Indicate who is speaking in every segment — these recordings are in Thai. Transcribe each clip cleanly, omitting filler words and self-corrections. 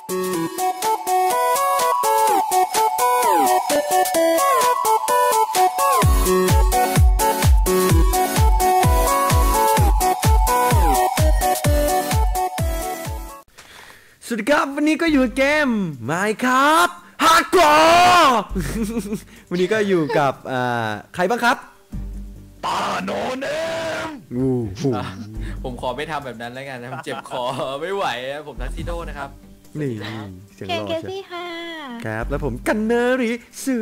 Speaker 1: สวัสดีครับวันนี้ก็อยู่เกม Minecraft Hardcore วันนี้ก็อยู่กับใครบ้างครับ
Speaker 2: ตาโนเนม
Speaker 3: ผมขอไม่ทำแบบนั้นแล้วกันนะเจ็บคอไม่ไหวผมทักซิโดนะครับ
Speaker 1: นี่เสียงรอใช่
Speaker 4: ค่ะ
Speaker 1: ครับแล้วผมกันเนอริสื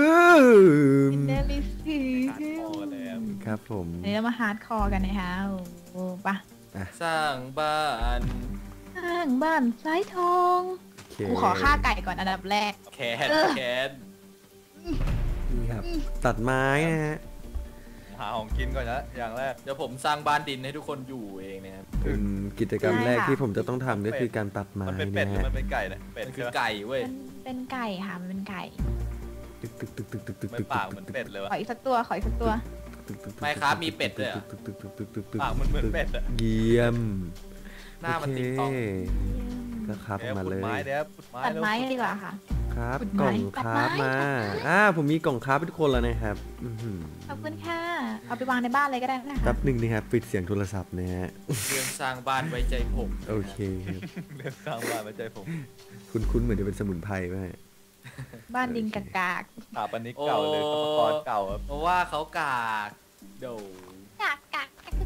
Speaker 1: ครับผม
Speaker 4: เดี๋ยวมาฮาร์ดคอร์กันนะคะโอ้ปะ
Speaker 3: สร้างบ้าน
Speaker 4: สายทองกูขอฆ่าไก่ก่อนอันดับแรก
Speaker 3: แคน
Speaker 1: นี่ครับตัดไม้นะฮะ
Speaker 2: หาของกินก่อนนะอย่างแรก
Speaker 3: เดี๋ยวผมสร้างบ้านดินให้ทุกคนอยู่เองนะครับ
Speaker 1: เป็นกิจกรรมแรกที่ผมจะต้องทำก็คือการตัดไม้
Speaker 2: มันเป็นเป็ดหรือมันเป็นไก่นะเป็ด
Speaker 3: คือไก่เว้ย
Speaker 4: เป็นไก่ค่ะมันเป็นไก่
Speaker 2: ไม่ปากเหมือนเป็ดเลยวะ
Speaker 4: ขออีกสักตัว
Speaker 3: ไม่ครับมีเป็ดเลย
Speaker 2: ปากมันเหมือนเป็ดอะ
Speaker 1: เยี่ยม
Speaker 3: หน้ามันติ๊กต๊อก
Speaker 1: ก็ครับมาเลย
Speaker 4: ตัดไม้ดีกว่าค่ะ
Speaker 1: ครับกล่องครับมาผมมีกล่องครับให้ทุกคนแล้วนะครับ
Speaker 4: ขอบคุณค่ะเอาไปวางในบ้านเลยก็ได้นะคะ
Speaker 1: แป๊บหนึ่งนะครับปิดเสียงโทรศัพท์นะฮะ
Speaker 3: เรื่องสร้างบ้านไว้ใจผม
Speaker 1: โอเค
Speaker 2: เรื่องสร้างบ้านไว้ใจผม
Speaker 1: คุ้นเหมือนจะเป็นสมุนไพรไหม
Speaker 4: บ้านดินกาก
Speaker 2: ปันนี้เก่าเลยอุปกรณ์เก่า
Speaker 3: เพราะว่าเขากากเดี๋ยว
Speaker 4: กาก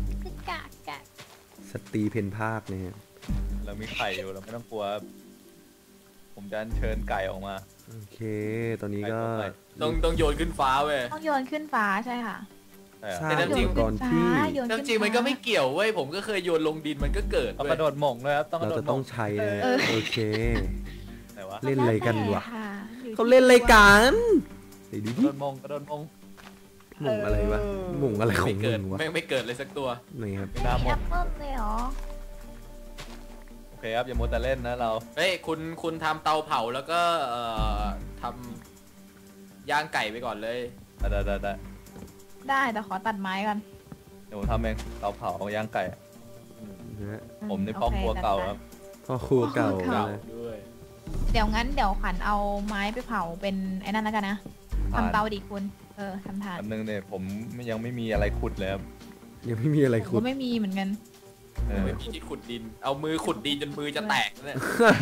Speaker 1: สตรีเพนภาคนะฮะ
Speaker 2: เรามีไข่อยู่เราไม่ต้องกลัวผมจะเชิญไก่ออกมา
Speaker 1: โอเคตอนนี้ก็
Speaker 3: ต้องโยนขึ้นฟ้าเว้ย
Speaker 4: ต้องโยนขึ้นฟ้าใช่ค่ะ
Speaker 3: แต่จริงก่อนที่จริงมันก็ไม่เกี่ยวเว้ยผมก็เคยโยนลงดินมันก็เกิด
Speaker 2: ต้องกระโดดหม่งเลยครับ
Speaker 1: เราจะต้องใช้เลยโอเค
Speaker 4: เล่
Speaker 1: นอะไรกันวะเขาเล่นอะไรกัน
Speaker 2: ดูดิกระโดดหม่ง
Speaker 1: หม่งอะไรวะหม่งอะไรของมึงวะ
Speaker 3: ไม่เกิดเลยสักตัว
Speaker 1: นี่ครับ
Speaker 4: แอปเปิ้ลเลยเหรอ
Speaker 2: โอเคครับอย่ามัวแต่เล่นนะเรา
Speaker 3: เฮ้ยคุณทำเตาเผาแล้วก็ทำย่างไก่ไปก่อนเลย
Speaker 4: ได้แต่ขอตัดไม้กัน
Speaker 2: เดี๋ยวผมทำเองเตาเผาย่างไก่ผมในพ่อครัวเก่าครับ
Speaker 1: พ่อครัวเก่า
Speaker 3: ด้วย
Speaker 4: เดี๋ยวขวัญเอาไม้ไปเผาเป็นไอ้นั่นแล้วกันนะทำเตาดิคุณทำทาน
Speaker 2: อันนึงเนี่ยผมยังไม่มีอะไรขุดเลยครับ
Speaker 1: ยังไม่มีอะไรขุด
Speaker 4: ไม่มีเหมือนกัน
Speaker 3: ไม่มีที่ขุดดินเอามือขุดดินจนมือจะแตกเลย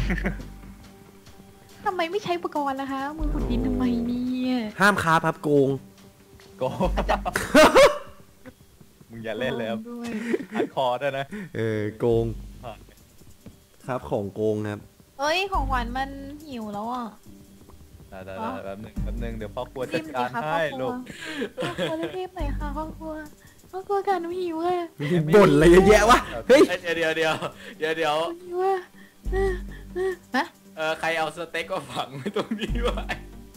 Speaker 4: ทำไมไม่ใช้อุปกรณ์ล่ะคะมือขุดดินทำไมเนี่ย
Speaker 1: ห้ามค้าพับโกง
Speaker 2: มึงอย่าเล่นเลยครับอัดคอได้นะ
Speaker 1: โกงครับของโกงครับ
Speaker 4: เอ้ยของขวัญมันหิวแล้วอ่ะ
Speaker 2: ได้แป๊บนึงเดี๋ยวพ่อครัวจัดการให้ลูก
Speaker 4: พ่อรีบหน่อยค่ะพ่อครัวกันหนูหิวอ่ะ
Speaker 1: บ่นอะไรเยอะแยะวะเฮ้ย
Speaker 3: เดี๋ยว
Speaker 4: หิวอ่ะ
Speaker 3: ใครเอาสเต็กก็ฝังไว้ตรงนี้ไว้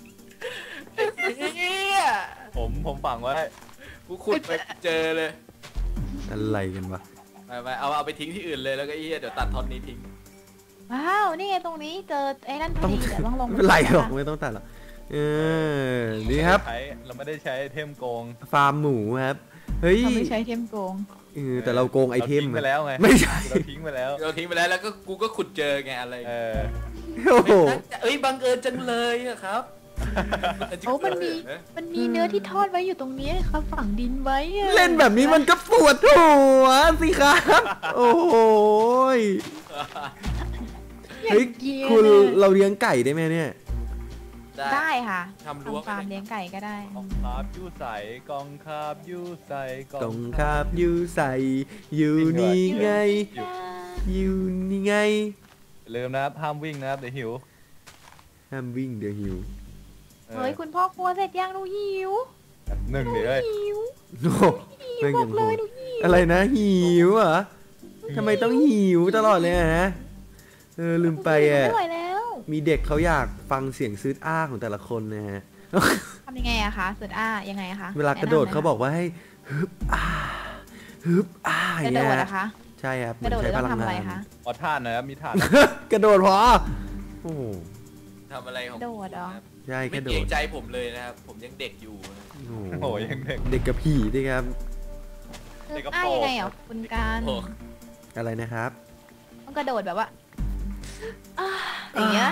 Speaker 2: ผมฝังไว้
Speaker 3: กูขุดไปเจอเลย
Speaker 1: อะไรกันวะ
Speaker 3: ไปเอาไปทิ้งที่อื่นเลยแล้วก็เดี๋ยวตัดท่อนนี้ทิ้ง
Speaker 4: ว้าวนี่ไงตรงนี้เจอไอ้นั่นพอดีเดี๋ยวต้องลง
Speaker 1: ไม่เป็นไรหรอกไม่ต้องตัดหรอกนี่ครับ
Speaker 2: เราไม่ได้ใช้ไอเทมโกง
Speaker 1: ฟาร์มหมูครับเฮ้ย
Speaker 4: เราไม่ใช้ไอเทมโกง
Speaker 1: แต่เราโกงไอเทม
Speaker 2: ไปแล้วไง
Speaker 1: ไม่ใช่
Speaker 2: เราทิ้งไปแล้ว
Speaker 3: แล้วก็กูก็ขุดเจอไงอะไร
Speaker 1: โอ้โห
Speaker 3: บังเอิญจังเลยครับ
Speaker 4: โอ้มันมีเนื้อที่ทอดไว้อยู่ตรงนี้ครับฝังดินไว้
Speaker 1: เล่นแบบนี้มันก็ปวดหัวสิครับโอ้โหเฮ้ยคุณเราเลี้ยงไก่ได้ไหมเนี่ย
Speaker 4: ได้ค่ะ
Speaker 3: ทำรั้ว
Speaker 4: ฟาร์มเลี้ยงไก่ก็ได้
Speaker 2: กองคาบยูใส่กองคาบยูใส่
Speaker 1: กองคาบยูใส่อยู่นี่ไง
Speaker 2: ลืมนะครับห้ามวิ่งนะครับเดี๋ยวหิว
Speaker 1: ห้ามวิ่งเดี๋ยวหิว
Speaker 4: เฮ้ยคุณพ่อครัวเสร็จยังหนูหิว
Speaker 2: หนึ่งเดี๋ยว
Speaker 4: บอกเลยหนูหิว
Speaker 1: อะไรนะหิวเหรอทำไมต้องหิวตลอดเลยฮะลืมไปมีเด็กเขาอยากฟังเสียงซืดอ้าของแต่ละคนนะฮะ
Speaker 4: ทำยังไงอะคะซืดอ้ายังไงคะ
Speaker 1: เวลากระโดดเขาบอกว่าให้ฮึบอ้า
Speaker 4: อย่างเงี้ยนะคะ
Speaker 1: ใช่ครับ
Speaker 4: กระโดดแล้วทำอะไรคะ
Speaker 2: ขอท่านนะครับมีท่าน
Speaker 1: กระโดดพอโอ้
Speaker 3: ทำอะไรของ
Speaker 4: กระโดดเหรอ
Speaker 1: ใช่กระโดด
Speaker 3: ไม่เกรงใจผมเลยนะครับผมยังเด็กอยู่
Speaker 2: โอ้ยัง
Speaker 1: เด็กกับผีด้วยครับ
Speaker 4: เด็กกับพ่อยังไงอ่ะคุณการ
Speaker 1: อะไรนะครับ
Speaker 4: ต้องกระโดดแบบว่าอย่างเงี้ย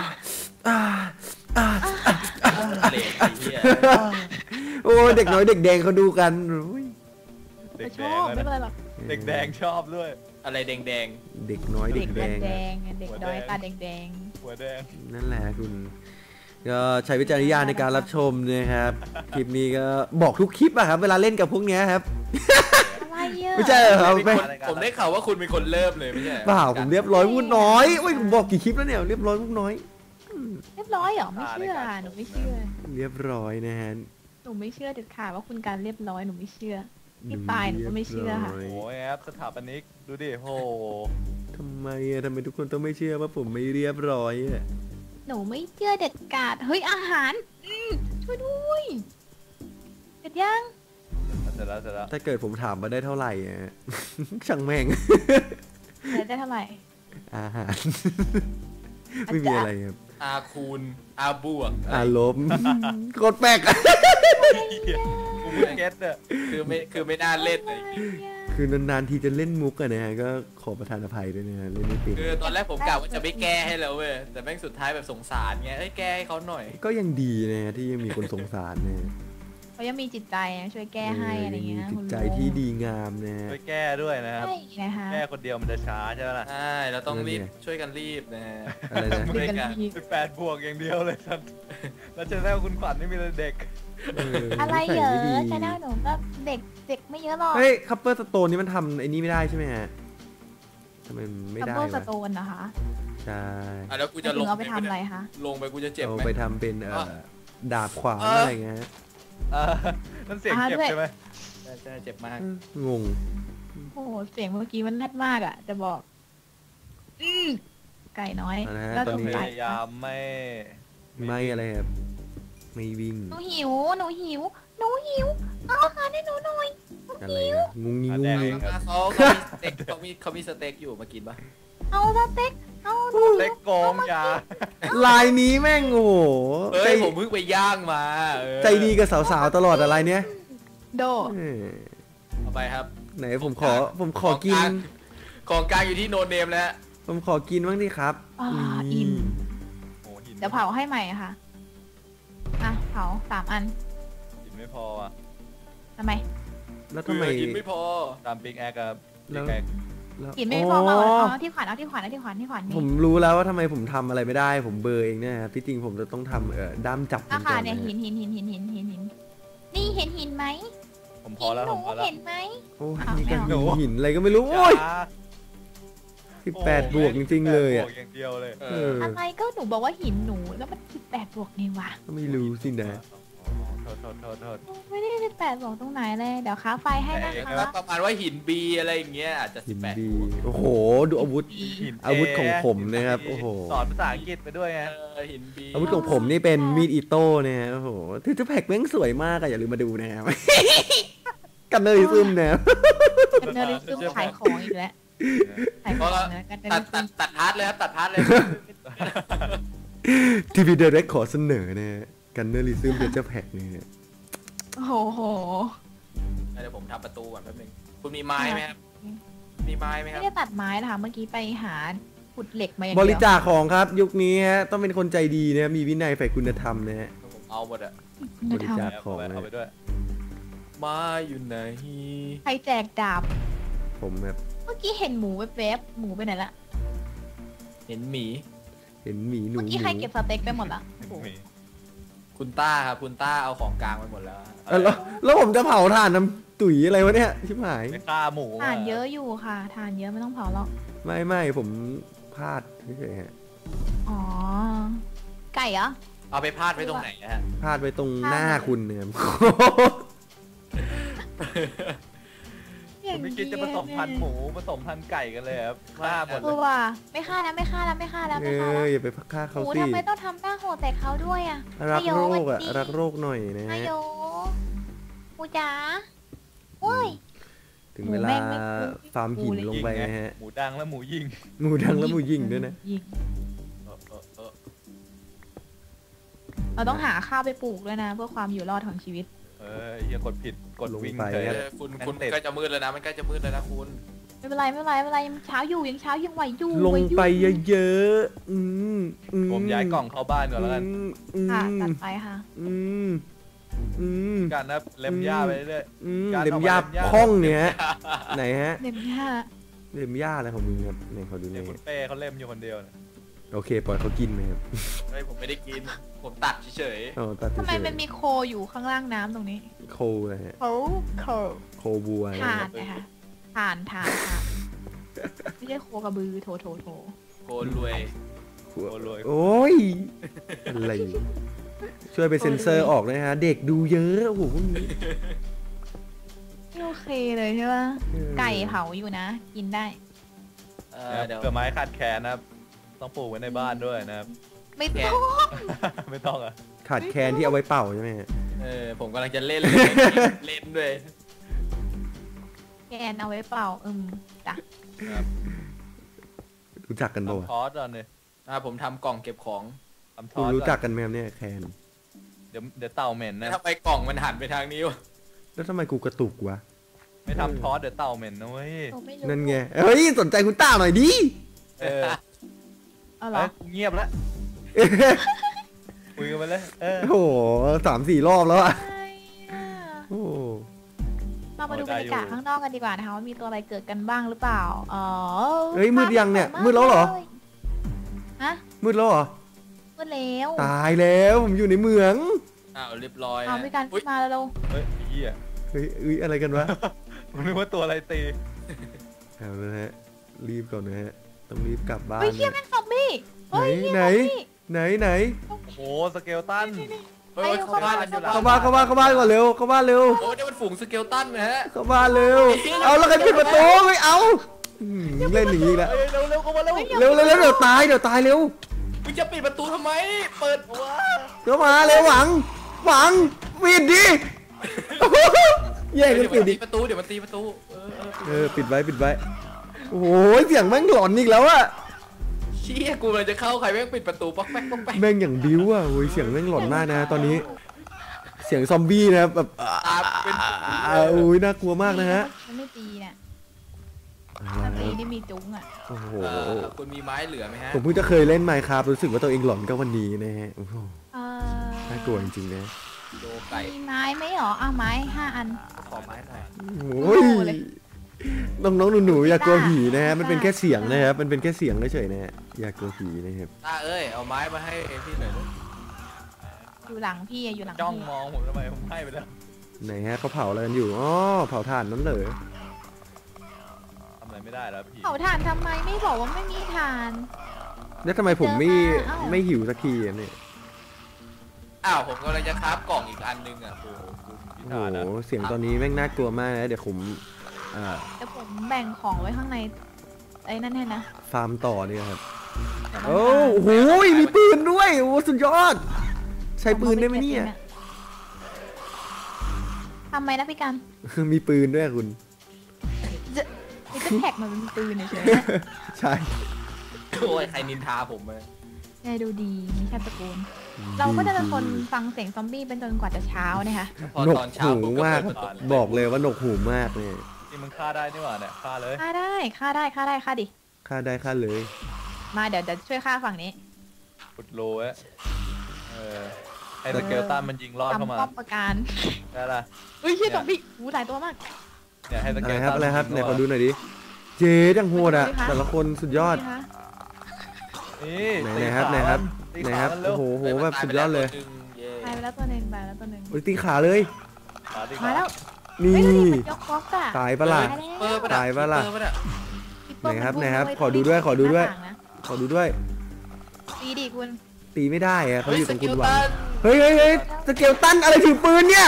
Speaker 3: เลดไอ้เหี้ย
Speaker 1: โอ้เด็กน้อยเด็กแดงเขาดูกันอุ้ย
Speaker 2: เด็ก
Speaker 4: ช
Speaker 2: แด
Speaker 4: อง บ
Speaker 2: อะ
Speaker 4: ไม่เป็นไร
Speaker 2: นะ
Speaker 4: หรอก
Speaker 2: เด็กแดงชอบด้วย
Speaker 3: อะไรแดง
Speaker 1: เด็กน้อยเด็
Speaker 4: เด็
Speaker 1: ก
Speaker 4: ก
Speaker 1: แดง
Speaker 4: แดงๆเด็กน้อยตาแดง
Speaker 2: หัวแดง
Speaker 1: นั่นแหละคุณก็ใช้วิจารณญาณในการรับชมนะครับคลิปนี้ก็บอกทุกคลิปอะครับเวลาเล่นกับพวกเนี้ยครับ
Speaker 4: ๆอะไรเยอะ
Speaker 1: ไม่ใช่เหรอ
Speaker 3: ๆ
Speaker 1: ครับ
Speaker 3: ผมได้ข่าวว่าคุณเป็นคนเริ่มเลยไม่ใช่
Speaker 1: เปล่าผมเรียบร้อยพูดน้อยโอ้ยผมบอกกี่คลิปแล้วเนี่ยเรียบร้อยพูดน้อย
Speaker 4: เรียบร้อยเหรอไม่เชื่อหนูไม่เชื่อ
Speaker 1: เรียบร้อยนะฮะ
Speaker 4: หนูไม่เชื่อเด็ดขาดว่าคุณการเรียบร้อยหนูไม่เชื่อพี่ปายหนูก็ไม่เชื่อค่ะ
Speaker 1: รียบร้
Speaker 2: โอ้
Speaker 1: ย
Speaker 2: ยครับสถาปนิกดูดิโอ้
Speaker 1: ทำไมอะทำไมทุกคนต้องไม่เชื่อว่าผมไม่เรียบร้อยอะ
Speaker 4: หนูไม่เชื่อเด็ดขาดเฮ้ยอาหารช่วยด้วยเสร็จยัง
Speaker 2: เสร็จแล้ว
Speaker 1: ถ้าเกิดผมถามมาได้เท่าไหร่อะ ช่างแม่ง
Speaker 4: เสร็จได้เท่าไหร่
Speaker 1: อาหาร ไม่มีอะไรครับ
Speaker 3: อาคูณอาบวก
Speaker 1: อารมณ์โคตรแปลกอะ
Speaker 2: กูไม่เก็ตอะ
Speaker 3: คือไม่น่าเล่นเลย
Speaker 1: คือนานๆทีจะเล่นมุกอะนะฮะก็ขอประทานอภัยด้วยนะฮะเล่นไม่เป็น
Speaker 3: คือตอนแรกผมกะว่าจะไม่แก้ให้แล้วเว้ยแต่แม่งสุดท้ายแบบสงสารไงเอ้ยแก้ให้เขาหน่อย
Speaker 1: ก็ยังดีนะฮะที่ยังมีคนสงสารนะฮะ
Speaker 4: เขายังมีจิตใจนะช่วยแก้ให้อะไรเงี้ย
Speaker 1: มีจิตใจที่ดีงามนะฮะ
Speaker 2: ไปแก้ด้วยนะครับ
Speaker 4: ใช่นะคะ
Speaker 2: แก้คนเดียวมันจะช้าใช่ไหมล่ะ
Speaker 3: ใช่เราต้องรีบ
Speaker 1: นั่นไง
Speaker 3: ช่วยกันรีบนะฮะ
Speaker 1: อะไรนะ
Speaker 4: ดึงกันที
Speaker 2: 18 บวกอย่างเดียวเลยท่านแล้วจะได้ว่าคุณขวัญนี่มีแต่เด็ก
Speaker 4: อะไรเหรอ
Speaker 1: นิสัไม่ดี
Speaker 4: ชาแนลหนูก็เด็กไม่เยอะหรอก
Speaker 1: เฮ้ยคัพเปอร์สโตนนี่มันทำไอ้นี่ไม่ได้ใช่ไหมฮะทำไมมันไม่
Speaker 4: คัพ
Speaker 1: ได้
Speaker 4: เปอร์ส
Speaker 1: วะ
Speaker 4: โตนนะคะ
Speaker 1: ใช่
Speaker 3: อ่ะแล้วกู
Speaker 4: จะ
Speaker 3: จะ
Speaker 4: ล
Speaker 3: ล
Speaker 4: ง
Speaker 3: ง
Speaker 4: เอาไปทำอะไรคะ
Speaker 3: ลงไปกูจะเจ็บ
Speaker 1: เอา
Speaker 3: ไหม
Speaker 1: ไปทำเป็นดาบขวาน
Speaker 3: เอออ
Speaker 1: อะไรเงี้ยฮะ
Speaker 2: นั่นเสียงเจ็บใช่ไหม
Speaker 3: ใช่เจ็บมาก
Speaker 1: งง
Speaker 4: โอ้โหเสียงเมื่อกี้มันแรดมากอ่ะจะบอกไก่น้อย
Speaker 1: นะฮะ
Speaker 4: แล้ว
Speaker 1: ตอน
Speaker 4: ถูก
Speaker 1: นี้
Speaker 2: พ
Speaker 4: ไก่
Speaker 2: ยายามไม่
Speaker 1: ไม่อะไรครับไม่วิ่ง
Speaker 4: หนูหิวเอาอาหารให้หนูหน่อย
Speaker 1: อะไรนะงุงงิงงุงงิง
Speaker 3: เขามีสเต็กอยู่มากินปะ
Speaker 4: เอาสเต็กเอาหนู
Speaker 2: เล็กโกงยา
Speaker 1: ลายนี้แม่งโอ้โห
Speaker 3: เฮ้
Speaker 1: ใจ
Speaker 3: ยผมเพิ่งไปย่างมาเออ
Speaker 1: ใจดีกับสาวๆตลอดอะไรเนี้ย
Speaker 4: โด
Speaker 1: เออ
Speaker 3: เอาไปครับ
Speaker 1: ไหนผมขอกิน
Speaker 3: ของกลางอยู่ที่โนเนมแล้ว
Speaker 1: ผมขอกินบ้างดิครับ
Speaker 4: อิ่ม
Speaker 2: โอ้หิน
Speaker 4: เดี๋ยวเผาให้ใหม่ค่ะอ่ะเผา3 อัน
Speaker 2: หินไม่พออ่ะ
Speaker 4: ทำไม
Speaker 1: แล้วทำไม
Speaker 3: กินไม่พอ
Speaker 2: ตามปิกแอคครับ
Speaker 1: แล้
Speaker 2: ปิ
Speaker 1: ว
Speaker 2: กแอค
Speaker 1: แล้ว
Speaker 4: กินไม่พอเอาที่ขวัญนี่
Speaker 1: ผมรู้แล้วว่าทำไมผมทำอะไรไม่ได้ ผมเบลอร์เองเนี่ยครับที่จริงผมจะต้องทำด้ามจับ
Speaker 4: รา
Speaker 1: ก่
Speaker 4: คา
Speaker 1: อน
Speaker 4: เนี่ย
Speaker 1: นะ
Speaker 4: หินนี่เห็นหินไหม
Speaker 2: ผมพอแล้ว
Speaker 4: ห
Speaker 2: ผ
Speaker 4: นู
Speaker 2: มพอแล้ว
Speaker 4: เห็นไหม
Speaker 1: โอ้ย
Speaker 4: อ้าว
Speaker 1: นี่ก็
Speaker 4: ไม่เอา
Speaker 1: หินอะไรก็ไม่รู้โอ้ย
Speaker 2: ช้า
Speaker 1: 18 บวกจริงๆเลยอ่ะ
Speaker 2: บวกอย่างเดียวเลย
Speaker 3: เอ
Speaker 1: เอ
Speaker 3: อ
Speaker 1: อ
Speaker 4: อะไรก็หนูบอกว่าหินหนูแล้วมัน18 บวกนี่วะ
Speaker 1: ก็ไม่รู้สินะ
Speaker 2: โทษ
Speaker 4: ไม่ได้18 บวกตรงไหนเลยเดี๋ยวค้าไฟให้นะ
Speaker 2: แต่
Speaker 4: คะ
Speaker 3: แล้วประมาณว่าหินบีอะไรอย่างเงี้ยอาจจะ
Speaker 1: หิน
Speaker 3: 18
Speaker 1: ดีโอ้โห ดูอาวุธ
Speaker 2: หิน
Speaker 1: อาวุธของผมนะครับโอ้โห
Speaker 2: สอนภาษาอังกฤษไปด้วยไง
Speaker 3: หินบี
Speaker 1: อาวุธของผมนี่เป็นมีดอิโต้เนี่ยโอ้โหที่จะแพ็กแม่งสวยมากอะอย่าลืมมาดูนะครับ กันเลยซึมนะครับ
Speaker 4: เป็นเนอริซึมขายของอีกแล้วขายของนะกันเนอ
Speaker 3: ตัด
Speaker 4: ริซึม
Speaker 3: ตัดพาร์ทเลยครับตัดพาร์ทเลย
Speaker 1: ทีวีเดเรกขอเสนอนะฮะกันเนอริซึมเดจะแพ็กเนี่ย
Speaker 4: โอ้โห
Speaker 3: เดี๋ยวผมทำประตูก่อนแป๊บนึงคุณมีไม้ไหมครับมีไม้ไหมค
Speaker 4: ไม่
Speaker 3: รับ
Speaker 4: ได้ตัดไม้นะคะเมื่อกี้ไปหาขุดเหล็กมาอย่าง
Speaker 1: บ
Speaker 4: เดียว
Speaker 1: ริจาคของครับ ยุคนี้ฮะต้องเป็นคนใจดีนะมีวินัยใฝ่คุณธรรมนะฮะ
Speaker 3: ผมเอาหมดอะ
Speaker 1: บริจาค
Speaker 2: เอาไปด้วย
Speaker 3: ไม้อยู่ไหน
Speaker 4: ใครแจกดาบ
Speaker 1: ผมแบบ
Speaker 4: เมื่อกี้เห็นหมูแวบๆหมูไปไหนละ
Speaker 3: เห็นหมี
Speaker 1: เห็นหมีหนู
Speaker 4: เมื่อกี้ใครเก็บสเต็กไปหมดละโอ้โห
Speaker 3: คุณต้าครับคุณต้าเอาของกลางไปหมดแล้ว
Speaker 1: แล้วผมจะเผาถ่านน้ำตุ๋ยอะไรวะเนี่ยชิบหาย
Speaker 2: ไม่ฆ่าหมู
Speaker 4: ทานเยอะอยู่ค่ะทานเยอะไม่ต้องเผาหรอก
Speaker 1: ไม่ผมพลาดเฉยๆฮะ
Speaker 4: อ๋อ ไก่เหรอ
Speaker 3: เอาไปพาดไว้ตรงไหนนะฮะ
Speaker 1: พลาดไปตรงหน้าคุณเนี่ย
Speaker 2: ผมไม่คิดจะผสมพันธุ์หมูผสมพันธุ์ไก่กันเลยครับฆ่าหมด
Speaker 4: เอ
Speaker 2: เล
Speaker 4: อย ว่ะไม่ฆ่าแล้ว
Speaker 1: เอ
Speaker 4: อ
Speaker 1: อย่าไปฆ่า
Speaker 4: ห
Speaker 1: เขา
Speaker 4: มู
Speaker 1: สิ
Speaker 4: ทำไมต้องทำหน้าโหดแต่เขาด้วยอ่ะ
Speaker 1: รักโรคอะ
Speaker 4: นายโย
Speaker 1: รักโรคหน่อยนะ
Speaker 4: นา
Speaker 1: ฮะ
Speaker 4: ยโยหมูจ๋าเว้ย
Speaker 1: ถึงเวลา
Speaker 4: หมูแม่งไม่คุ้ม
Speaker 1: ฟาร์มหินลงไปนะฮะ
Speaker 2: หมูดังและหมูยิง
Speaker 1: หมูดังแล้วหมูยิงด้วยนะ
Speaker 4: ยิง
Speaker 3: เออ
Speaker 4: เราต้องหาข้าวไปปลูกด้วยนะ เพื่อความอยู่รอดของชีวิต
Speaker 2: อย่ากดผิดกดวิ่ง
Speaker 1: ลงไป
Speaker 2: เฉย
Speaker 1: ครับ
Speaker 3: คุณใกล้จะมืดแล้วนะมันใกล้จะมืดแล้วนะคุณ
Speaker 4: ไม่เป็นไรยังเช้าอยู่ยังไหวอยู่
Speaker 1: ลงไปเยอะๆ
Speaker 2: ผมย้ายกล่องเข้าบ้านก่อนแล้วกัน
Speaker 4: ค่ะตัดไปค่ะ
Speaker 2: การนะเล็มหญ้าไปเรื่อย
Speaker 1: เล็มหญ้าพ่องเนี่ยไหนฮะ
Speaker 4: เด็มค่ะ
Speaker 1: เล็มหญ้าอะไรของมึงครับไหนขอดูห
Speaker 2: เดี๋
Speaker 1: น่
Speaker 2: ย
Speaker 1: อ
Speaker 2: วย คุณเป้เขาเล็มอยู่คนเดียวนะ
Speaker 1: โอเคปล่อยเขากินไหมครับ
Speaker 3: เฮ้ยผมไม่ได้กิน ผมตัดเฉย
Speaker 1: อ๋อตัด
Speaker 4: ทำไม
Speaker 1: เฉย
Speaker 4: มันมีโคอยู่ข้างล่างน้ำตรงนี้
Speaker 1: โคนะฮะ
Speaker 4: โค
Speaker 1: โคบัว
Speaker 4: ถ่านนะคะถ่านไม่ใช่โคกระบือโถ
Speaker 3: ๆโกนรวย
Speaker 2: โอ้รวย
Speaker 1: โอ้ยอะไรช่วยไปเซ็นเซอร์ออกนะฮะเด็กดูเยอะโอ้โหพวกนี้
Speaker 4: ไม่โอเคเลยใช่ปะไก่เผาอยู่นะ กินได้
Speaker 3: เดี๋ยว
Speaker 2: เผื่อไม้ขาดแคลนนะครับต้องปลูกไว้ในบ้านด้วยนะครับ
Speaker 4: ไม่ต้อง
Speaker 2: ไม่ต้องอ่ะ
Speaker 1: ขาดแคลนที่เอาไว้เป่าใช่ไหมฮะ
Speaker 3: ผมกำลังจะเล่นเลย เล่นด้วย
Speaker 4: แกนเอาไว้เปล่าจ้ะ
Speaker 1: รู้จักกันปะวะ
Speaker 2: ทำทอสก่อนเลย
Speaker 3: ผมทำกล่องเก็บของ
Speaker 2: ทำท
Speaker 1: คุ
Speaker 2: อ
Speaker 1: ณ
Speaker 2: ส
Speaker 1: รู้
Speaker 2: ก่
Speaker 1: จั
Speaker 2: อน
Speaker 1: กกันไหมครับเนี่ยแคน
Speaker 2: เดี๋ยวเต่าเหม็นนะ
Speaker 3: ทำไมกล่องมันหันไปทางนี้วะ
Speaker 1: แล้วทำไมกูกระตุกวะ
Speaker 2: ไม่ทำทอสเดี๋ยวเต่าเหม็นนะเว้ย
Speaker 4: โอ้ไม่รู้
Speaker 1: นั่นไงเฮ้ยสนใจคุณต้าหน่อยดิ
Speaker 2: เออ
Speaker 4: เอาเหรอ
Speaker 2: เงียบแล้วคุยกันไปเลย
Speaker 1: โอ้โห3-4 รอบแล้วอะ
Speaker 4: ใช่อะ
Speaker 1: โอ้โห
Speaker 4: เรามาดูบรรยากาศข้างนอกกันดีกว่านะคะว่ามีตัวอะไรเกิดกันบ้างหรือเปล่า
Speaker 1: เฮ้ยมืดยังเนี่ยมืดแล้วเหรอ
Speaker 4: ฮะ
Speaker 1: มืดแล้วเหรอ
Speaker 4: มืดแล้ว
Speaker 1: ตายแล้วผมอยู่ในเมือง
Speaker 3: เรียบร้อย
Speaker 4: เอาพี่การขึ้นมาแล้วเรา
Speaker 2: เฮ้ยไอ้เหี้ย
Speaker 1: เฮ้ยอะไรกันวะ
Speaker 2: ผมนึกว่าตัวอะไรตี
Speaker 1: เอาละฮะรีบก่อนนะฮะต้องรีบกลับบ้าน
Speaker 4: เฮ้ยเฮียแม่งซอมบี้
Speaker 1: ไหน
Speaker 4: เฮ้ยเฮีย
Speaker 1: ไหน
Speaker 4: ซอมบี้
Speaker 1: ไหน
Speaker 2: โอ้โหสเกลตัน
Speaker 3: เฮ้ยเข้าบ้านกันอยู่แล้ว
Speaker 1: เข้าบ้านก่อนเร็วเข้าบ้านเร็ว
Speaker 3: โอ้นี่มันฝูงสเกลตันนะฮะ
Speaker 1: เข้าบ้านเร็วเอาแล้วใครปิดประตูไม่เอาเล่นอย่างนี้แล้ว
Speaker 2: เฮ้ยเร็วเข้ามาเร็ว
Speaker 1: เร็วเดี๋ยวตายเร็ว
Speaker 3: มึงจะปิดประตูทำไม เปิดวะ
Speaker 1: เดี๋ยวมาเร็วหวังปิดดิแย่งกันปิดดิ
Speaker 3: ประตูเดี๋ยวมันตีประตู
Speaker 1: ปิดไว้โอ้โหเสียงแม่งหลอนอีกแล้วอะ
Speaker 3: เชี่ยกูเลยจะเข้าใครแม่งปิดประตูป๊อกแป๊ก
Speaker 1: แม่งอย่างบิ้วอะโอ้ยเสียงแม่งหลอนมากนะตอนนี้ เสียงซอมบี้นะแบบ
Speaker 3: ตาเป็น
Speaker 1: โอ้ยน่ากลัวมากนะฮะ
Speaker 4: มันไม่ตีเนี่ยถ้าตีนี่มีจุ้งอ่ะ
Speaker 1: โอ้โห
Speaker 3: คุณมีไม้เหลือไหมฮะ
Speaker 1: ผมเพิ่งจะเคยเล่น Minecraft รู้สึกว่าตัวเองหลอนก็วันนี้นะฮะโอ้โห
Speaker 4: เออ
Speaker 1: น่ากลัวจริงๆนะ
Speaker 3: โดไก่
Speaker 4: มีไม้ไหมหรอไม้5 อัน
Speaker 3: ขอไม้หน่อย
Speaker 1: โอ้ยน้องๆหนูๆอย่ากลัวผีนะฮะมันเป็นแค่เสียงนะครับมันเป็นแค่เสียงเฉยๆนะฮะอย่ากลัวผีนะครับ
Speaker 3: ตาเอาไม้มาให้พี่หน่อย
Speaker 4: อยู่หลังพี่อยู่หลัง
Speaker 2: จ้อง
Speaker 4: พี่
Speaker 2: มองผมทำไมผมให้ไปแล้ว
Speaker 1: ไหนฮะเขาเผาอะไรกันอยู่อ๋อเผาถ่านนั่นเหรอ
Speaker 2: ทำอะไรไม่ได้แล้วพี่
Speaker 4: เผาถ่านทำไมไม่บอกว่าไม่มีถ่าน
Speaker 1: แล้วทำไมผมไม่
Speaker 4: เจอมาเอ้า
Speaker 1: ไม่หิวสักทีอะเนี่ย
Speaker 3: ผมกำลังจะคราฟกล่องอีกอันนึงอ่ะโอ้
Speaker 2: พิ
Speaker 1: โอ้
Speaker 2: ธานะ
Speaker 1: โหเสียงตอนนี้แม่งน่ากลัวมากนะเดี๋ยวผมอ่า
Speaker 4: แต่ผมแบ่งของไว้ข้างในไอ้นั่นให้นะ
Speaker 1: ฟาร์มต่อเนี่ยครับ
Speaker 4: แต่มัน
Speaker 1: โอ้โหมีปืนด้วยโอ้สุดยอด ใช้ปืนได้ไหมเนี่ย
Speaker 4: ทำไมนะพี่กัน
Speaker 1: มีปืนด้วยคุณ
Speaker 4: มีแท็กมันเป็นปืนเฉย
Speaker 1: ใช่
Speaker 3: โอ้ยใครนินทาผมเลย
Speaker 4: ๆไงดูดีมีชาติตระกูลเราก็จะเป็นคนฟังเสียงซอมบี้เป็นจนกว่าจะเช้านะคะ
Speaker 3: พอ
Speaker 1: หนก
Speaker 3: ตอนเช้า
Speaker 1: หู
Speaker 3: ผมก็
Speaker 1: มาก
Speaker 3: เปิดประตู
Speaker 1: บอกเลยว่าหนกหูมากเนี่ย
Speaker 2: นี่มึงฆ่าได้นี่หว่าเนี่ยฆ่าเลย
Speaker 4: ฆ่าได้ฆ่าได้ฆ่าได้ฆ่าดิ
Speaker 1: ฆ่าได้ฆ่าเลย
Speaker 4: มาเดี๋ยวจะช่วยฆ่าฝั่งนี้
Speaker 2: ขุดโลไว้ให้สเกลตันมันยิงลอดเข้ามา
Speaker 4: ทำป้อมประการ
Speaker 2: ได้ละ
Speaker 4: เฮ้ยเฮียซอมบี้หูหลายตัวมาก
Speaker 2: เนี่ยให้ส
Speaker 1: อะ
Speaker 2: เก
Speaker 1: ไร
Speaker 2: ล
Speaker 1: ครับ
Speaker 2: ตัน
Speaker 1: อะไรครับไหนขอดูหน่อยดิเจดังโหดอะแต่ละคนสุดยอด
Speaker 2: นี่
Speaker 1: ไหนครับไหนครับไหนครับโอ้โหแบบสุดยอดเลย
Speaker 4: ตายไปแล้วตัวหนึ่งตายไปแล้วตัวหนึ่ง
Speaker 1: โอ้ยตีขาเลย
Speaker 4: มาแล้ว
Speaker 1: นี่
Speaker 4: เฮ้ยดูดิมันยกบล็อกอะ
Speaker 1: ตายปะล่ะ
Speaker 3: เปิดปะ
Speaker 1: ตายปะล่ะ
Speaker 3: เปิดปะ
Speaker 1: ไหนครับไหนครับขอดูด้วยขอดูด้วย ขอดูด้วย
Speaker 4: ตีดิคุณ
Speaker 1: ตีไม่ได้อะเขา
Speaker 3: เฮ้ย
Speaker 1: อยู่
Speaker 3: ส
Speaker 1: ตรง
Speaker 3: กิ
Speaker 1: คุณ
Speaker 3: ล
Speaker 1: หวัง
Speaker 3: ตัน
Speaker 1: เฮ้ยสเกลตันอะไรถือปืนเนี่ย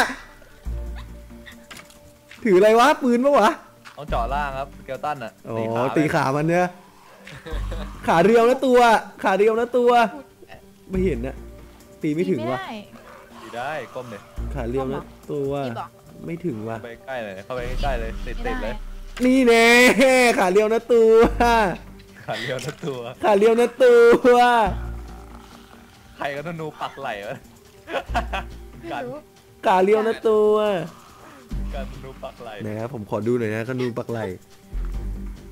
Speaker 1: ถืออะไรวะปืนปะวะ
Speaker 2: ต้องเจาะล่างครับสเกลตันอ่ะ
Speaker 1: อ๋อตีขามันเนี่ยขาเรียวนะตัว ขาเรียวนะตัว ไม่เห็นนะตีไม่ถึงวะ
Speaker 2: ตีได้ก้มเลย
Speaker 1: ขาเรียวนะตัว
Speaker 4: ตีบอก
Speaker 1: ไม่ถึงวะ
Speaker 2: เข้าไปใกล้เลยเข้าไปใกล้เลยติด
Speaker 4: ไม่
Speaker 2: เล
Speaker 4: ได้
Speaker 2: ย
Speaker 1: นี่แน่ขาเรียวนะตัว
Speaker 2: ขาเรียวทั้งตัว
Speaker 1: ขาเรียวนะตัว
Speaker 2: ใครก็ธนูปักไหลวะ
Speaker 4: ไม่
Speaker 2: การ
Speaker 4: รู้
Speaker 1: ขาเรียวนะตัว
Speaker 2: การธนูปักไหล
Speaker 1: นะครับผมขอดูหน่อยนะขนูปักไหล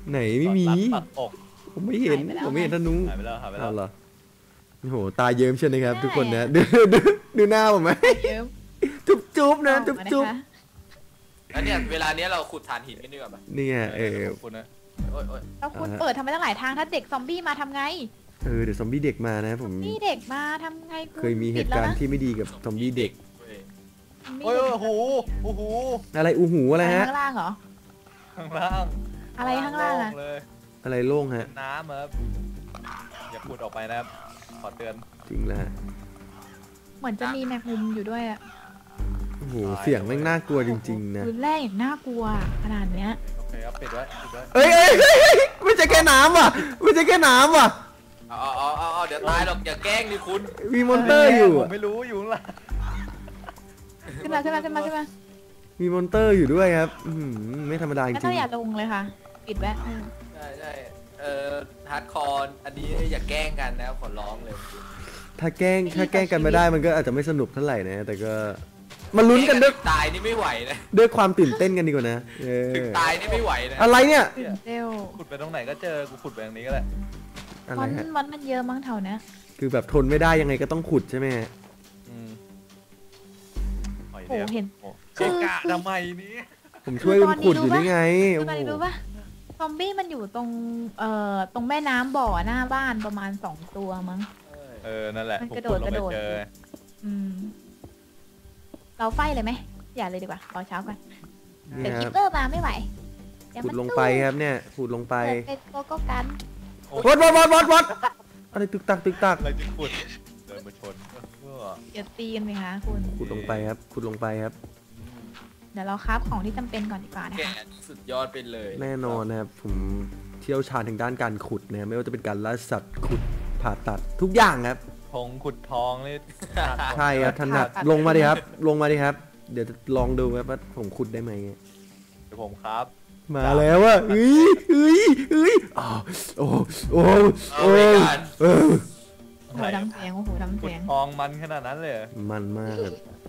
Speaker 1: ไหนไม่มี
Speaker 2: ปักอก
Speaker 1: ผมไม่เห็นผมไม่เห็นธนู
Speaker 2: หายไปแล้วหายไปแล้
Speaker 1: เอา
Speaker 2: ว
Speaker 1: เหรอโอ้โหตาเยิ้มเชียวนะครับ ทุกคนนะดูหน้าผมไหม
Speaker 4: เยิ้ม
Speaker 1: จุ๊บนะ
Speaker 4: ออก
Speaker 1: จุ๊บ
Speaker 4: มา
Speaker 1: จุ๊บ
Speaker 4: นะคะ
Speaker 3: แล้วเนี่ยเวลาเนี้ยเราขุดถ่านหินกันดีกว่าปะ
Speaker 1: นี่ไง
Speaker 2: ขอบคุณนะ
Speaker 3: โอ้ยโอ้ย
Speaker 4: เราคุณเปิดทำไมตั้งหลายทางถ้าเด็กซอมบี้มาทำไง
Speaker 1: เดี๋ยวซอมบี้เด็กมานะผม
Speaker 4: นี่เด็กมาทำไงณ
Speaker 1: เคยมีเหตุการณ์ที่ไม่ดีกับซอมบี้เด็ก
Speaker 2: โอ้ยโอ้โหโอ้โห
Speaker 1: อะไรอูหูอะไรฮะ
Speaker 4: ข้างล่างเหรอ
Speaker 2: ข้างล่าง
Speaker 4: อะไรข้างล่างอะ
Speaker 2: เลย
Speaker 1: อะไรโล่งฮะ
Speaker 2: น้ำครับอย่าพูดออกไปนะครับขอเตือน
Speaker 1: จริงแล้วฮะ
Speaker 4: เหมือนจะมีแมงมุมอยู่ด้วยอะ
Speaker 1: โอ้โหเสียงแม่งน่ากลัวจริงๆนะ
Speaker 4: คืนแรกอย่างน่ากลัวขนาดเนี้ย
Speaker 2: โอเคครับปิดไว้ปิดไว้
Speaker 1: เอ้ยไม่ใช่แค่น้ำว่ะไม่ใช่แค่น้ำว่ะ
Speaker 3: เอาเดี๋ยวตายหรอกอย่าแกล้งดิคุณ
Speaker 1: มีมอนเตอร์อยู่
Speaker 2: ผมไม่รู้อยู่ข้างล่าง
Speaker 4: ขึ้นมา
Speaker 1: มีมอนเตอร์อยู่ด้วยครับไม่ธรรมดาจ
Speaker 4: ไม่
Speaker 1: ริ
Speaker 4: ต้อง งอย่าลงเลยค่ะ ปิดไว้
Speaker 3: ใช่ฮาร์ดคอร์อันนี้อย่าแกล้งกันนะขอร้องเลย
Speaker 1: ถ้าแกล้งกันไม่ได้มันก็อาจจะไม่สนุกเท่าไหร่นะแต่ก็มาลุ้นกันด้วย
Speaker 3: ตายนี่ไม่ไหวนะ
Speaker 1: ด้วยความตื่นเต้นกันดีกว่านะ
Speaker 3: ถึงตายนี่ไม่ไหวนะ
Speaker 1: อะไรเนี่ย
Speaker 4: ตื่นเต้น
Speaker 2: ขุดไปตรงไหนก็เจอกูขุดไปตรงนี้ก็แหละ
Speaker 1: อะไร
Speaker 4: มัน
Speaker 1: ฮะ
Speaker 4: มันเยอะมั้งเท่านะ
Speaker 1: คือแบบทนไม่ได้ยังไงก็ต้องขุดใช่ไหมฮะ
Speaker 2: อืมหอย
Speaker 4: โอ้
Speaker 2: เดียว
Speaker 4: เห็น
Speaker 2: โอ้เกะกะทำไมนี้
Speaker 1: ผมช่วยคุณขุดอยู่นี่ไง
Speaker 4: คื
Speaker 1: โอ้
Speaker 4: ออะไร
Speaker 1: โห
Speaker 4: รู้ปะซอมบี้มันอยู่ตรงตรงแม่น้ำบ่อหน้าบ้านประมาณ2 ตัวมั้ง
Speaker 2: นั่นแหละ
Speaker 4: มัน
Speaker 2: ผม
Speaker 4: กระโด
Speaker 2: ขุ
Speaker 4: ด
Speaker 2: ดลง
Speaker 4: กระ
Speaker 2: ไป
Speaker 4: โดด
Speaker 2: เจอ
Speaker 4: อืม เราไฟเลยไหมอย่าเลยดีกว่ารอเช้าก่อน
Speaker 1: นี่
Speaker 4: เดี๋ยว
Speaker 1: ค
Speaker 4: คิ
Speaker 1: รั
Speaker 4: ป
Speaker 1: บ
Speaker 4: เปอร์มาไม่ไหวเดี๋ยว
Speaker 1: ขุ
Speaker 4: มั
Speaker 1: ด
Speaker 4: น
Speaker 1: ลงไปครับเนี่ยขุดลงไป
Speaker 4: เปิดเป็นโกโก้กัน
Speaker 1: วัดอะไรตึกตัก
Speaker 2: อะไรจะขุดเดินมาชนเออ
Speaker 4: อย่าตีกันไหมคะคุณ
Speaker 1: ขุดลงไปครับขุดลงไปครับ
Speaker 4: เดี๋ยวเราคราฟของที่จำเป็นก่อนดีกว่านะ
Speaker 3: แก
Speaker 4: คะ
Speaker 3: สุดยอดไปเลย
Speaker 1: แน่นอนนะครับผมเชี่ยวชาญทางด้านการขุดนะไม่ว่าจะเป็นการล่าสัตว์ขุดผ่าตัดทุกอย่างครับ
Speaker 2: ทงขุดทองนี่
Speaker 1: ใช่ครับถนัดลงมาดิครับ ลงมาดิครับ เดี๋ยวจะลองดูครับว่าผมขุดได้ไหม
Speaker 2: เดี๋ยวผมครับ
Speaker 1: มาแล้วอะเอ้ยอ้าวโอ้โอ้
Speaker 3: เอาไปกัน
Speaker 1: เออ
Speaker 4: โอ้โหดำเสียงโอ้โหดำ
Speaker 2: ขุ
Speaker 4: เสี
Speaker 2: ด
Speaker 4: ยง
Speaker 2: ทองมันขนาดนั้นเลยเหรอ
Speaker 1: มันมากครับ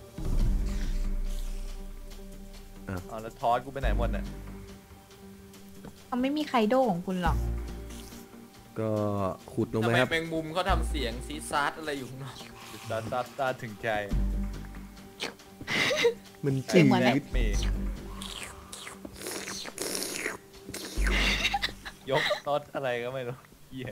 Speaker 2: เอาแล้วทอสกูไปไหนหมดเนี่ย
Speaker 4: เขาไม่มีไคโดของคุณหรอก
Speaker 1: ก็ขุดลง
Speaker 3: ทำ
Speaker 1: ไป
Speaker 3: ไม
Speaker 1: ครับ
Speaker 3: แมงมุมเขาทำเสียงซีซาร์อะไรอยู่ข้างนอก
Speaker 2: ตาถึงใจ
Speaker 1: มันจืด
Speaker 2: มียกรถอะไรก็ไม่รู้เหี้ย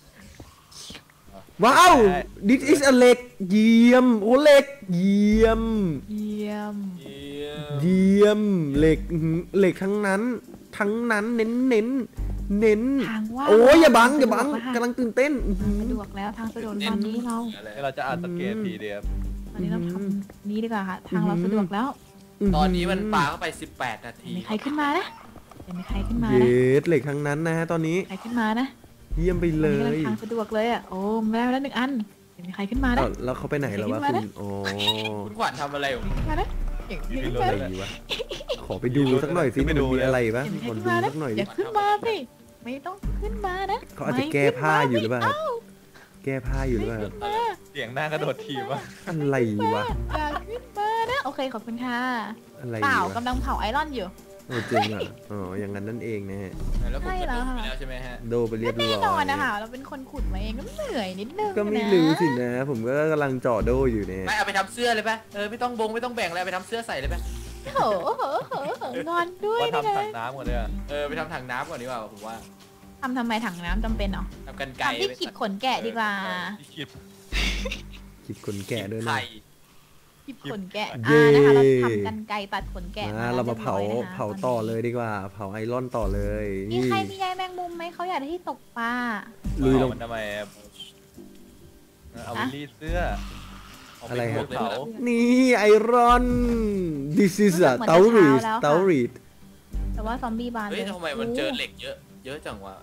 Speaker 1: ว้าว this is a เหล็กเยี่ยมโอ้เหล็กเยี่ยม
Speaker 4: เยี่ยม
Speaker 3: เยี่ยม
Speaker 1: เยี่ยมเหล็กเหล็กทั้งนั้นเน้น
Speaker 4: ทางว่า
Speaker 1: โอ้ยอย่าบัง
Speaker 4: สะดวแล้วค่ะ
Speaker 1: กำลังตื่นเต้น
Speaker 4: สะดวกแล้วทางสะดวกตอนนี้เรา
Speaker 3: อะไร
Speaker 2: นี่เราจะอ่านสเกตทีเดียว
Speaker 4: ตอนนี้เราทำนี้ดีกว่าค่ะ ทางเราสะดวกแล้ว
Speaker 3: ตอนนี้มันปาเข้าไป18 นาที
Speaker 4: มีใครขึ้นมานะเดี๋ยวมีใครขึ้นมา
Speaker 1: เย
Speaker 4: นะ
Speaker 1: สเหล็กทั้งนั้นนะฮะตอนนี้
Speaker 4: ใครขึ้นมานะ
Speaker 1: เยี่ยมไป
Speaker 4: ต
Speaker 1: เล
Speaker 4: อนนี้กำลั
Speaker 1: ย
Speaker 4: งทางสะดวกเลยอ่ะโอ้ได้มาแล้ว1 อันเดี๋ยวมีใครขึ้นมานะ
Speaker 1: อ้าวแล้วเขาไปไหนแล้ววะ
Speaker 4: ขึ้นมา
Speaker 1: คุ
Speaker 4: นะ
Speaker 1: ณอ๋อ
Speaker 3: คุณขวัญทำอะไรอยู่
Speaker 4: ขึ้นมานะเดี๋ยวมีขึ้นมา
Speaker 1: อะไร
Speaker 4: นะ
Speaker 1: วะขอไปดูสักหน่อยสิมันมีอะไรปะ
Speaker 4: เดี๋ยวมี
Speaker 1: ข
Speaker 4: ใคร
Speaker 1: อ
Speaker 4: ขึ้น
Speaker 1: ดู
Speaker 4: มานะ
Speaker 1: สักหน่อย
Speaker 4: อ
Speaker 1: ดิ
Speaker 4: ย่าขึ้นมาสิไม่ต้องขึ้นมานะ
Speaker 1: เขาอาจจะแก้ผ้าอยู่หรือเปล่าครับแก้ผ้าอยู่หรือเปล่าครับ
Speaker 4: มา
Speaker 2: เสียงหน้ากระโดดถีบวะ
Speaker 1: อะไรวะ
Speaker 4: อย่าขึ้นมานะโอเคขอบคุณค่ะ
Speaker 1: อะไร
Speaker 4: เปล่าว
Speaker 1: ะ
Speaker 4: กำลังเผาไอรอนอยู่
Speaker 1: โอ้จริงอ่ะอ๋ออย่างนั้นนั่นเองนะฮะ
Speaker 3: แล้วผม
Speaker 4: ใช่
Speaker 3: จะ
Speaker 4: แล้ว
Speaker 3: ดู
Speaker 4: ค่ะ
Speaker 3: ไปแล้วใช่ไหมฮะ
Speaker 1: โดไปเรียบร้
Speaker 4: แน่
Speaker 1: อย
Speaker 4: นอนนะคะเราเป็นคนขุดมาเองก็เหนื่อยนิดนึง
Speaker 1: ก็ไม่
Speaker 4: นะ
Speaker 1: รู้สินะ ผมก็กำลังเจาะโดอยู่เนี่ย
Speaker 3: ไม่เอาไปทำเสื้อเลยปะไม่ต้องไม่ต้องแบ่งอะไรไปทำเสื้อใส่เลยปะ
Speaker 4: โอ้โหงอนด้วย
Speaker 2: ว่า
Speaker 4: นะ
Speaker 2: ทำถังน้ำก่อนเลยอะ
Speaker 3: ไปทำถังน้ำก่อนดีกว่าผมว่า
Speaker 4: ทำไมถังน้ำจำเป็นเหรอ
Speaker 3: ทำกันไก่
Speaker 4: ทำที่ขีดขนแกะดีกว่า
Speaker 2: ที่คิด
Speaker 1: คิดคนแก่ด้วยนะ
Speaker 3: ไข่
Speaker 4: ขีดขนแกะ
Speaker 1: เย้
Speaker 4: นะคะเราทำกันไกรตัดขนแกะ
Speaker 1: เรามาเผา
Speaker 4: รียบร้อยนะคะ
Speaker 1: เผาต่อเลยดีกว่า เผาไอรอนต่อเลย
Speaker 4: มี
Speaker 1: นี่
Speaker 4: ใครมีใยแมงมุมไหมเขาอยากได้ที่ตกปลา
Speaker 1: ลุยลง
Speaker 2: มันทำไมอะเอาไปรีดเสื้อเาป
Speaker 1: อะไรฮะ
Speaker 2: เผา
Speaker 1: นี่ไอรอน this is a เตารีด
Speaker 4: แต่ว่าซอมบี้บาน
Speaker 3: เฮ้
Speaker 4: เลย ย
Speaker 3: ทำไมมันเจอเหล็กเยอะจังวะ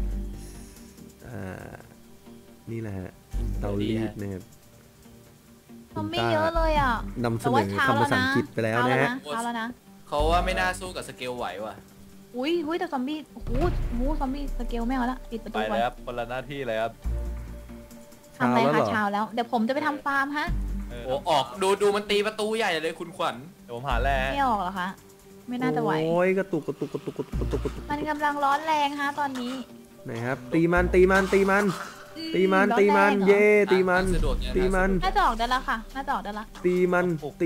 Speaker 1: นี่แหละฮะเตารีดนะครับ
Speaker 4: ซอมบี้เยอะเลยอ่ะ
Speaker 1: นำเส
Speaker 4: แต่
Speaker 1: น
Speaker 4: ว่า
Speaker 1: อ
Speaker 4: เช้า
Speaker 1: คำ
Speaker 4: แล้ว
Speaker 1: ภาษา
Speaker 4: นะ
Speaker 1: อังกฤษไปแล้วนะฮะ
Speaker 4: เช้าแล้วนะ
Speaker 3: เขาว่าไม่น่าสู้กับสเกลไหวว่ะ
Speaker 4: อุ้ยแต่ซอมบี้โอ้โหซอมบี้สเกลไม่เอาละปิดประ
Speaker 2: ไป
Speaker 4: ตูก่อน
Speaker 2: เลยครับคนละหน้าที่เลยครับ
Speaker 4: ทำอะไร
Speaker 1: เช้าแล้วเหร
Speaker 4: คะ
Speaker 1: อ
Speaker 4: เช้าแล้ว เดี๋ยวผมจะไปทำฟาร์มฮะ
Speaker 2: เออ
Speaker 3: โอ้ออกดูมันตีประตูใหญ่เลยคุณขวัญ
Speaker 2: เดี๋ยวผมหาแร่
Speaker 4: ไม่ออกเหรอคะไม่น่าจะไหว
Speaker 1: โอ้ยกระตุก
Speaker 4: มันกำลังร้อนแรงฮะตอนนี้
Speaker 1: ไหนครับตีมันเย่ตีมัน
Speaker 3: สะดวกเนี่ย
Speaker 1: ตีมัน
Speaker 4: น่าจะออกได้แล้วค่ะน่าจะออกได้แล้ว
Speaker 1: ตีมัน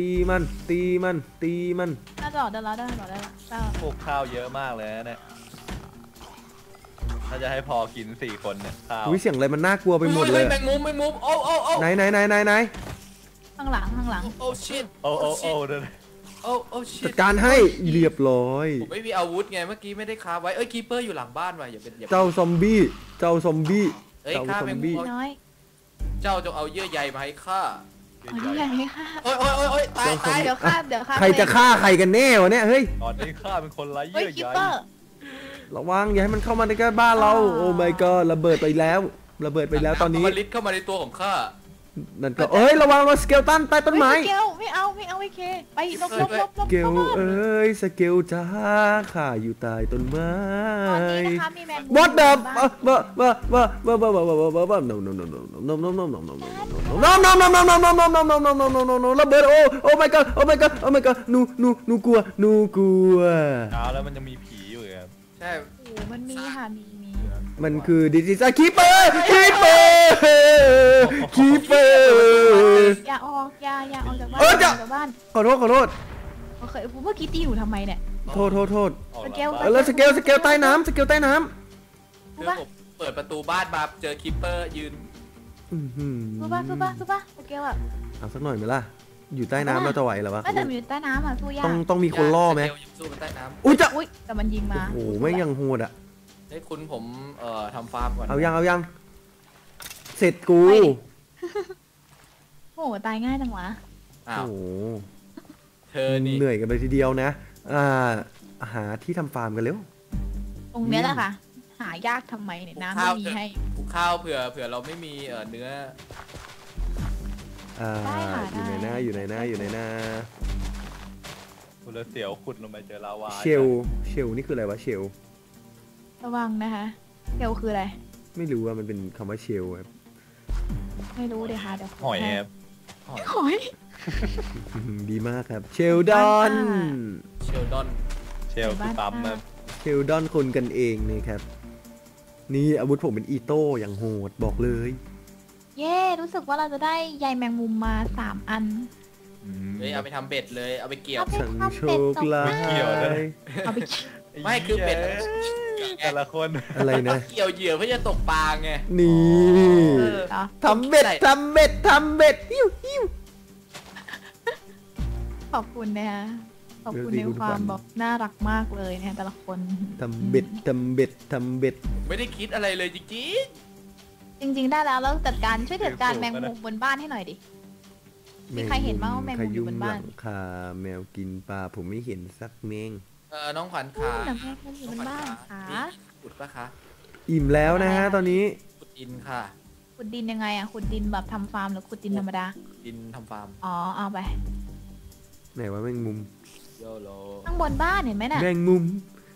Speaker 4: น่าจะออกได้แล้วได้
Speaker 2: พวกข้าวเยอะมากเลยนะเนี่ยถ้าจะให้พอกิน4 คนเนี่ยข้าว
Speaker 1: อุ้ยเสียงอะไรมันน่ากลัวไปหมดเลย
Speaker 3: แมงมุมโอ้
Speaker 1: ไหน
Speaker 4: ข้างหลัง
Speaker 3: โอ้ชิต
Speaker 2: โอ้เด้อ
Speaker 3: โอ้ชิ
Speaker 1: จั
Speaker 3: ต
Speaker 1: ดการให้เรียบร้อย
Speaker 3: ผมไม่มีอาวุธไงเมื่อกี้ไม่ได้คาไว้คีเปอร์อยู่หลังบ้านว่ะอย่าเป็น
Speaker 1: เจ้าซอมบี้
Speaker 3: ฆ่าแมงมุม
Speaker 4: น้อย
Speaker 3: เจ้าจงเอาเยื่อใยมาให้ข้า
Speaker 4: เอาใหญ่ไหมค่ะ
Speaker 3: โอ้ยตาย
Speaker 4: เดี๋ยวฆ่า
Speaker 1: ใครจะฆ่าใครกันแน่วะเนี่ยเฮ้ย
Speaker 2: ตอนนี้ข้าเป็นคนไร้
Speaker 4: เฮ้ย
Speaker 2: เยื่อ
Speaker 4: คิป
Speaker 2: ใย
Speaker 4: เปอร์
Speaker 1: ระวังอย่าให้มันเข้ามาในบ้านเราโอ้ my god ระเบิดไปแล้วตอนนี้
Speaker 3: มันลิดเข้ามาในตัวของข้า
Speaker 1: นั่นก็เอ้ยระวังสเกลตันใต้ต้นไม้
Speaker 4: เกลไม่เอาไอ้เคไปลบ
Speaker 1: สเกลเอ้ยสเกลจ้าข้าอยู่ใต้ต้นไม้
Speaker 4: ตอนนี้นะคะมีแมงมุม
Speaker 1: What the ระเบิดโอ้ my god นูกลัว
Speaker 2: เอาแล้วมันจะมีผีอยู่ครับ
Speaker 3: ใช่
Speaker 4: โอ้มันมีค่ะมี
Speaker 1: มันคือดิจิทัลคีเปอร์
Speaker 4: อย่าออกจากบ้าน
Speaker 1: ขอโทษ
Speaker 4: โอเคเมื่อกี้ตีหนูทำไมเนี่ย
Speaker 1: โทษ
Speaker 3: ออก
Speaker 4: สเกล
Speaker 1: แล้วสเกลใต้น้ำ
Speaker 3: คือผมเปิดประตูบ้านมาเจอคีเปอร์ยืน
Speaker 4: สู้ป่ะสเกลอ่ะ
Speaker 1: เอาสักหน่อยไหมล่ะอยู่ใต้น้ำเราจะไหวหรอวะ
Speaker 4: แต่มันอยู่ใต้น้ำอ่ะสู้ยาก
Speaker 1: ต้องมีคนล่อไหม
Speaker 3: สู้ใต้น้ำ
Speaker 1: อุ้ยจะ
Speaker 4: อุ้ยแต่มันยิงมา
Speaker 1: โอ้โหไม่ยังโหดอ่ะ
Speaker 3: ให้คุณผมทำฟาร์มก่อน
Speaker 1: เอายังเสร็จกู
Speaker 4: โอ้ตายง่ายจังวะ
Speaker 3: อ้าว
Speaker 1: โอ้โห
Speaker 3: เธอนี่
Speaker 1: เหนื่อยกันเลยทีเดียวนะหาที่ทำฟาร์มกันเร็ว
Speaker 4: ตรงนี้แหละค่ะ หายากทำไมเนี่ยน้ำไม่มีให้
Speaker 3: ปลูกข้าวเผื่อเราไม่มีเนื้อ
Speaker 1: อยู่ไหนนะ
Speaker 2: คุณเสียวขุดลงไปเจอลาวา
Speaker 1: เชลนี่คืออะไรวะเชล
Speaker 4: ระวังนะคะเกลคืออะไร
Speaker 1: ไม่รู้ว่ามันเป็นคำว่าเชลครับ
Speaker 4: ไม่รู้เดี๋ยวค่ะเดี๋ยว
Speaker 2: หอยครับ
Speaker 4: หอย
Speaker 1: ดีมากครับเชลดอน
Speaker 3: เชลดอน
Speaker 2: เชลคือปั๊มครับ
Speaker 1: เชลดอนคนกันเองนะครับนี่อาวุธผมเป็นอีโต้อย่างโหดบอกเลย
Speaker 4: เย้รู้สึกว่าเราจะได้ใยแมงมุมมา3 อัน
Speaker 3: เฮ้ยเอาไปทำเบ็ดเลยเอาไปเกี่ยว
Speaker 1: ฉันโชคร้าย
Speaker 4: เอาไป
Speaker 3: ไม่คือเบ็ด
Speaker 2: แต่ละคน
Speaker 1: อะไรนะ
Speaker 3: เกี่ยวเหยื่อเพื่อจะตกปลาไง
Speaker 1: นี่
Speaker 4: เหรอ
Speaker 1: ทำเบ็ดหิว
Speaker 4: ขอบคุณนะคะขอบคุณในความแบบน่ารักมากเลยนะคะแต่ละคน
Speaker 1: ทำเบ็ด
Speaker 3: ไม่ได้คิดอะไรเลยจริง
Speaker 4: ได้แล้วแล้วช่วยจัดการแมงมุมบนบ้านให้หน่อยดิ มีใครเห็นบ้างว่าแมงมุมอยู่บนบ้าน
Speaker 1: ขยุงหลังคาแมวกินปลาผมไม่เห็นสักแมง
Speaker 3: น้องขวัญขา
Speaker 4: แมงมุมอยู่บนบ้านค่ะ
Speaker 3: ขุดปะคะ
Speaker 1: อิ่มแล้วนะฮะตอนนี้
Speaker 3: ขุดดินค่ะ
Speaker 4: ขุดดินยังไงอะขุดดินแบบทำฟาร์มหรือขุดดินธรรมดา
Speaker 3: ดินทำฟาร์ม
Speaker 4: อ๋อเอาไป
Speaker 1: ไหนว่าแมงมุม
Speaker 3: โยโล
Speaker 4: ข้างบนบ้านเห็นไหมน่ะ
Speaker 1: แมงมุม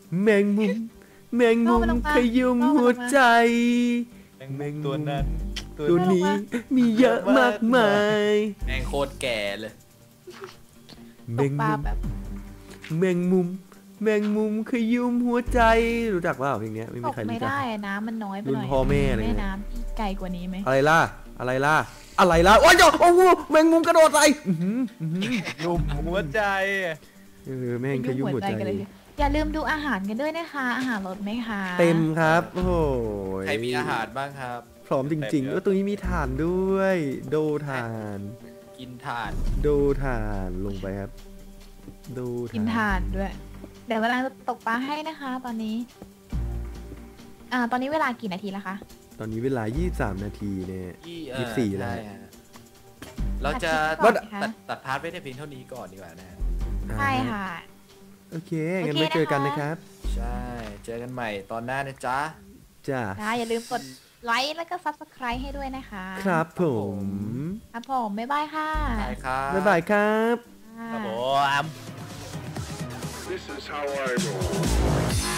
Speaker 1: ขยุมหัวใจ
Speaker 2: แมงตัวนั้น
Speaker 1: ตัวนี้มีเยอะมากมาย
Speaker 3: แมงโคตรแก่เลย
Speaker 1: แม
Speaker 4: ตก
Speaker 1: ง
Speaker 4: ปลา
Speaker 1: มุม
Speaker 4: แบบ
Speaker 1: แมงมุมขยุมหัวใจรู้จักเปล่าเพลงเนี้ยไม่
Speaker 4: ต
Speaker 1: มี
Speaker 4: ก
Speaker 1: ใคร
Speaker 4: ไม่
Speaker 1: รู้จัก
Speaker 4: ได้น้ำมันน้อยไปหน่อย
Speaker 1: รุ่นพ่อแม่เลย
Speaker 4: แม่น้ำที่ไกลกว่านี้ไหม
Speaker 1: อะไรล่ะโอ้ยโอ้โหแมงมุมกระโดดใส่อื้อหือ
Speaker 2: ยุ่มหัวใจ
Speaker 1: แม่งขยุมหัวใจ
Speaker 4: กันเลยอย่าลืมดูอาหารกันด้วยนะคะ อาหารลดไหมคะ
Speaker 1: เต็มครับโอ้โห
Speaker 3: ใครมีอาหารบ้างครับ
Speaker 1: พร้อมจริงๆแล้วตรงนี้มีถ่านด้วยโดถ่าน
Speaker 3: กินถ่าน
Speaker 1: โดถ่านลงไปครับโด
Speaker 4: กินถ่านด้วย เดี๋ยวกำลังจะตกปลาให้นะคะ ตอนนี้ ตอนนี้เวลากี่นาทีแล้วคะ
Speaker 1: ตอนนี้เวลา23 นาทีเนี่ย 24แล้ว
Speaker 3: ใช่ฮะเราจะ
Speaker 4: ตัดคลิปก่อนนะคะ
Speaker 3: ตัดพาร์ทไว้แต่เพียงเท่านี้ก่อนดีกว่านะฮะ
Speaker 4: ใช่ค่ะ
Speaker 1: โอเคงั้นไปเจอกันนะครับ
Speaker 3: ใช่เจอกันใหม่ตอนหน้านะจ๊ะ
Speaker 1: จ้า
Speaker 4: อย่าลืมกดไลค์แล้วก็ subscribe ให้ด้วยนะคะ
Speaker 1: ครับผม
Speaker 4: ครับผมบ๊ายบายค่ะ
Speaker 3: ใช่ครับ
Speaker 1: บ๊ายบายครับ
Speaker 2: ครับผม
Speaker 5: This is how I roll.